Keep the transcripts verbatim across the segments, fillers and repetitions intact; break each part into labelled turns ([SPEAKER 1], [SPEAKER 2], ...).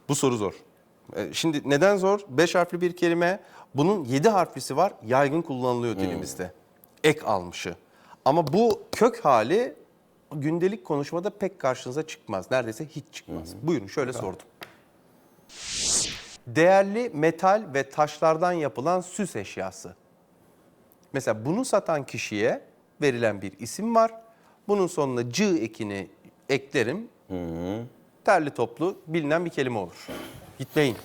[SPEAKER 1] Bu soru zor. E, Şimdi neden zor? Beş harfli bir kelime. Bunun yedi harflisi var. Yaygın kullanılıyor dilimizde. Ek almışı. Ama bu kök hali gündelik konuşmada pek karşınıza çıkmaz. Neredeyse hiç çıkmaz. Buyurun şöyle sordum. Değerli metal ve taşlardan yapılan süs eşyası. Mesela bunu satan kişiye verilen bir isim var. Bunun sonuna cı ekini eklerim. Terli toplu bilinen bir kelime olur. Gitmeyin.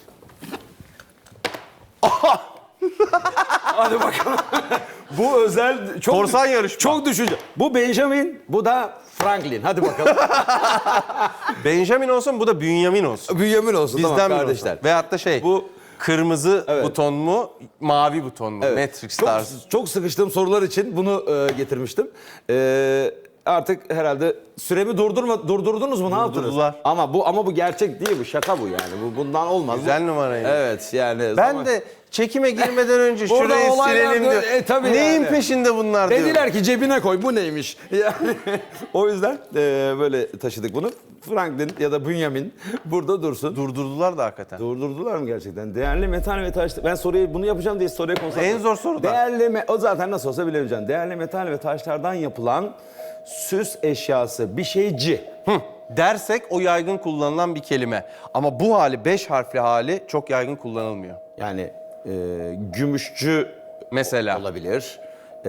[SPEAKER 2] Hadi bakalım. Bu özel çok
[SPEAKER 1] Korsan yarışma.
[SPEAKER 2] çok düşünce. Bu Benjamin, bu da Franklin. Hadi bakalım.
[SPEAKER 1] Benjamin olsun, bu da Bünyamin olsun.
[SPEAKER 2] Bünyamin olsun.
[SPEAKER 1] Bizden
[SPEAKER 2] tamam
[SPEAKER 1] biri
[SPEAKER 2] kardeşler.
[SPEAKER 1] olsun. Veyahut da şey,
[SPEAKER 2] Bu-
[SPEAKER 1] kırmızı
[SPEAKER 2] Evet.
[SPEAKER 1] buton mu, mavi buton mu?
[SPEAKER 2] Evet.
[SPEAKER 1] Matrix
[SPEAKER 2] çok,
[SPEAKER 1] tarzı.
[SPEAKER 2] çok sıkıştığım sorular için bunu e, getirmiştim. E, artık herhalde süremi durdurma durdurdunuz mu? Ne yaptınız?
[SPEAKER 1] Durdurdular.
[SPEAKER 2] Ama bu ama bu gerçek değil, bu şaka bu yani. Bu bundan olmaz.
[SPEAKER 1] Güzel
[SPEAKER 2] Bu-
[SPEAKER 1] numaraydı.
[SPEAKER 2] Evet yani.
[SPEAKER 1] Ben
[SPEAKER 2] zaman-
[SPEAKER 1] de çekime girmeden önce
[SPEAKER 2] Burada
[SPEAKER 1] şurayı
[SPEAKER 2] olaylar
[SPEAKER 1] silelim
[SPEAKER 2] diyor.
[SPEAKER 1] diyor.
[SPEAKER 2] E, tabii
[SPEAKER 1] Neyin
[SPEAKER 2] yani.
[SPEAKER 1] peşinde bunlar diyor.
[SPEAKER 2] Dediler ki cebine koy, bu neymiş? Yani o yüzden e, böyle taşıdık bunu. Franklin ya da Bünyamin burada dursun.
[SPEAKER 1] Durdurdular da hakikaten.
[SPEAKER 2] Durdurdular mı gerçekten? Değerli metal ve taş... Ben soruyu bunu yapacağım diye soruya konsantre...
[SPEAKER 1] En zor soru da.
[SPEAKER 2] Değerli me... O zaten nasıl olsa bilemeyeceğim. Değerli metal ve taşlardan yapılan süs eşyası, bir şeyci.
[SPEAKER 1] Hı, dersek o yaygın kullanılan bir kelime. Ama bu hali, beş harfli hali çok yaygın kullanılmıyor.
[SPEAKER 2] Yani e, gümüşçü
[SPEAKER 1] Mesela.
[SPEAKER 2] olabilir.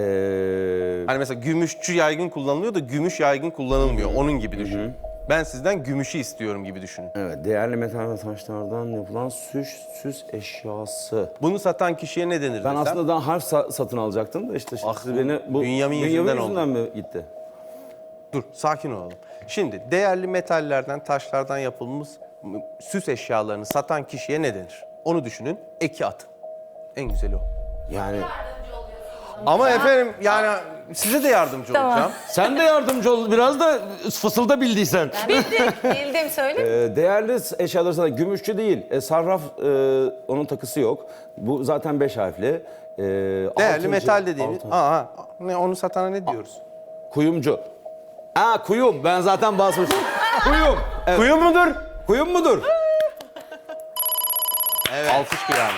[SPEAKER 2] E,
[SPEAKER 1] Hani mesela gümüşçü yaygın kullanılıyor da gümüş yaygın kullanılmıyor. Onun gibi düşün. Ben sizden gümüşü istiyorum gibi düşünün.
[SPEAKER 2] evet, değerli metal ve taşlardan yapılan süs, süs eşyası.
[SPEAKER 1] Bunu satan kişiye ne denir
[SPEAKER 2] Ben
[SPEAKER 1] desem?
[SPEAKER 2] aslında daha harf sa- satın alacaktım da işte
[SPEAKER 1] Ah,
[SPEAKER 2] siz beni bu
[SPEAKER 1] Bünyamin yüzünden oldu.
[SPEAKER 2] mi gitti?
[SPEAKER 1] Dur, sakin olalım. Şimdi değerli metallerden, taşlardan yapılmış süs eşyalarını satan kişiye ne denir? Onu düşünün, eki atın. En güzeli o.
[SPEAKER 2] Yani
[SPEAKER 1] Ama efendim yani size de yardımcı
[SPEAKER 3] Tamam.
[SPEAKER 1] olacağım.
[SPEAKER 2] sen de yardımcı ol biraz da fısılda bildiysen.
[SPEAKER 3] Bildim, bildim söyle.
[SPEAKER 2] Ee, değerli eşyaları sana gümüşçü değil, e, sarraf e, onun takısı yok. Bu zaten beş harfli. E,
[SPEAKER 1] Değerli
[SPEAKER 2] altıncı-
[SPEAKER 1] metal dediğimiz,
[SPEAKER 2] altı-
[SPEAKER 1] aa, ne, onu satana ne diyoruz?
[SPEAKER 2] Kuyumcu. Ha kuyum, ben zaten basmıştım. Kuyum. Evet.
[SPEAKER 1] Kuyu mudur?
[SPEAKER 2] Kuyum mudur?
[SPEAKER 1] Evet. Alkış kıyamet.